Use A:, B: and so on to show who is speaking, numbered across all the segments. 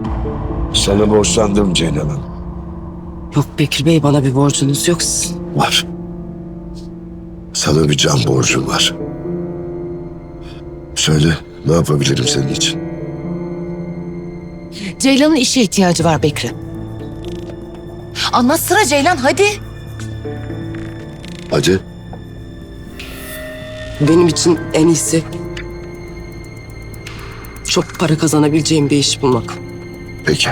A: Sana borçlandım Ceylan Hanım.
B: Yok Bekir Bey, bana bir borcunuz yok sizin.
A: Var. Sana bir can borcum var. Söyle, ne yapabilirim senin için?
C: Ceylan'ın işe ihtiyacı var Bekri. Anlatsana Ceylan, hadi.
A: Hadi.
B: Benim için en iyisi çok para kazanabileceğim bir iş bulmak.
A: Peki.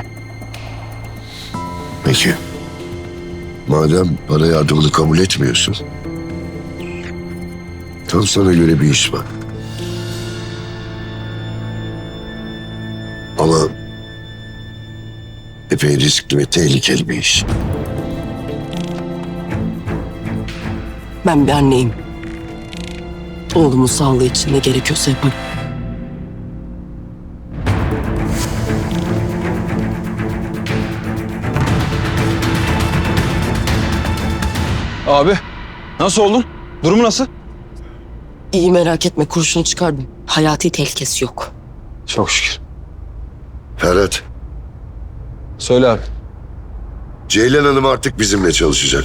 A: Peki. Madem para yardımını kabul etmiyorsun, tam sana göre bir iş var. Ama epey riskli ve tehlikeli bir iş.
B: Ben bir anneyim. Oğlumun sağlığı için ne gerekiyorsa yaparım.
D: Abi nasıl oldun? Durumu nasıl?
B: İyi, merak etme, kurşunu çıkardım. Hayati tehlikesi yok.
D: Çok şükür.
A: Ferhat,
D: Söyle abi.
A: Ceylan Hanım artık bizimle çalışacak.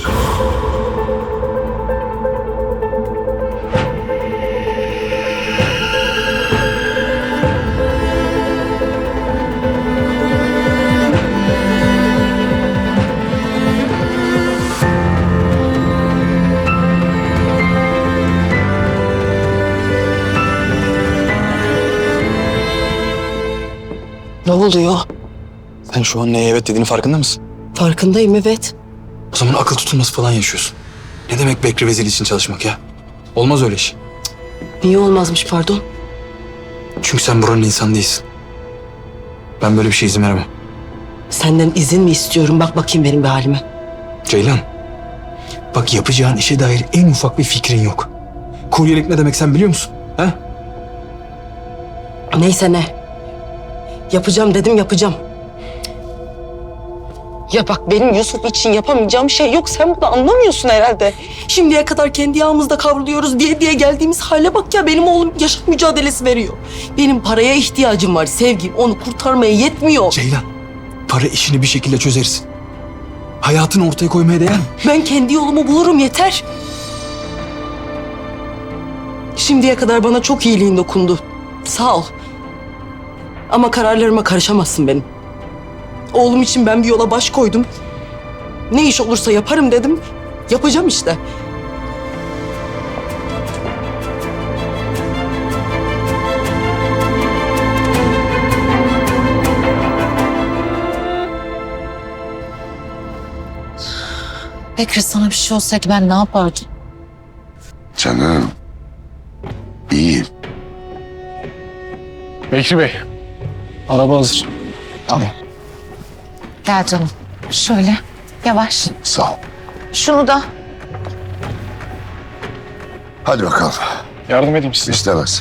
B: Ne oluyor?
D: Sen şu an neye evet dediğini farkında mısın?
B: Farkındayım, evet.
D: O zaman akıl tutulması falan yaşıyorsun. Ne demek Bekri Vezeli için çalışmak ya? Olmaz öyle iş.
B: Niye olmazmış, pardon?
D: Çünkü sen buranın insanı değilsin. Ben böyle bir şey izin veremem.
B: Senden izin mi istiyorum? Bak bakayım benim bir halime.
D: Ceylan, bak yapacağın işe dair en ufak bir fikrin yok. Kuryelik ne demek sen biliyor musun? He?
B: Neyse ne. Yapacağım dedim, yapacağım. Ya bak, benim Yusuf için yapamayacağım şey yok. Sen bunu anlamıyorsun herhalde. Şimdiye kadar kendi yağımızda kavruluyoruz diye geldiğimiz hale bak ya. Benim oğlum yaşam mücadelesi veriyor. Benim paraya ihtiyacım var sevgim. Onu kurtarmaya yetmiyor.
D: Ceylan, para işini bir şekilde çözersin. Hayatını ortaya koymaya değer mi?
B: Ben kendi yolumu bulurum, yeter. Şimdiye kadar bana çok iyiliğin dokundu. Sağ ol. Ama kararlarıma karışamazsın benim. Oğlum için ben bir yola baş koydum. Ne iş olursa yaparım dedim. Yapacağım işte.
C: Bekri, sana bir şey olsaydı ben ne yapardım?
A: Canım, iyiyim.
E: Bekri Bey, araba hazır.
D: Tamam.
C: Gel canım. Şöyle, yavaş.
A: Sağ ol.
C: Şunu da.
A: Hadi bakalım.
E: Yardım edeyim size.
A: İstemez.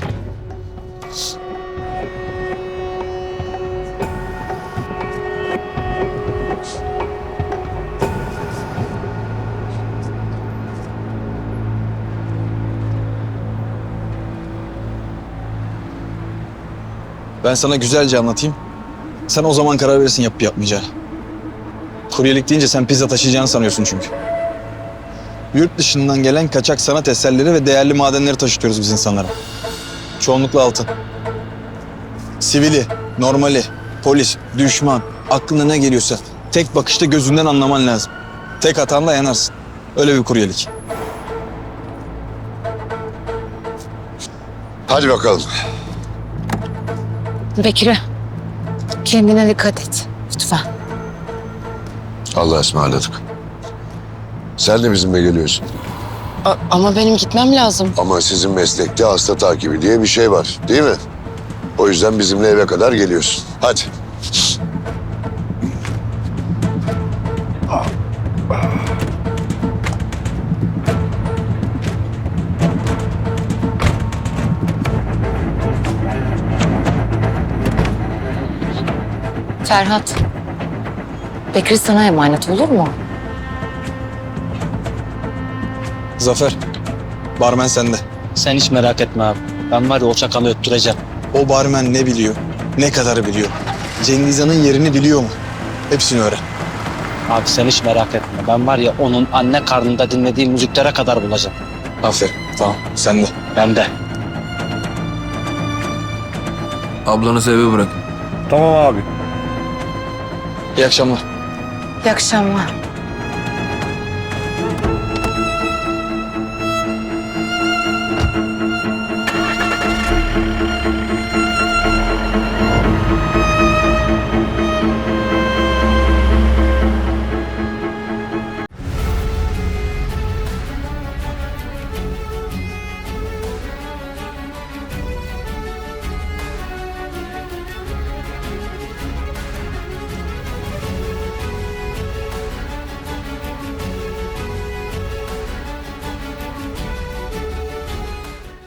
D: Ben sana güzelce anlatayım. Sen o zaman karar verirsin yapıp yapmayacağını. Kuryelik deyince sen pizza taşıyacağını sanıyorsun çünkü. Yurt dışından gelen kaçak sanat eserleri ve değerli madenleri taşıtıyoruz biz insanlara. Çoğunlukla altın. Sivili, normali, polis, düşman, aklına ne geliyorsa tek bakışta gözünden anlaman lazım. Tek hatanla yanarsın. Öyle bir kuryelik.
A: Hadi bakalım.
C: Bekri, kendine dikkat et. Lütfen.
A: Allah'a ısmarladık. Sen de bizimle geliyorsun.
B: Ama benim gitmem lazım.
A: Ama sizin meslekte hasta takibi diye bir şey var, değil mi? O yüzden bizimle eve kadar geliyorsun. Hadi.
C: Ferhat, Bekri sana emanet, olur mu?
D: Zafer, barmen sende.
E: Sen hiç merak etme abi. Ben var ya o çakalı öttüreceğim.
D: O barmen ne biliyor, ne kadar biliyor. Cengizhan'ın yerini biliyor mu? Hepsini öğren.
E: Abi sen hiç merak etme. Ben var ya onun anne karnında dinlediği müziklere kadar bulacağım.
D: Aferin. Tamam. Sen de.
E: Ben de.
F: Ablanızı eve bırak.
E: Tamam abi.
D: İyi akşamlar.
C: İyi akşamlar.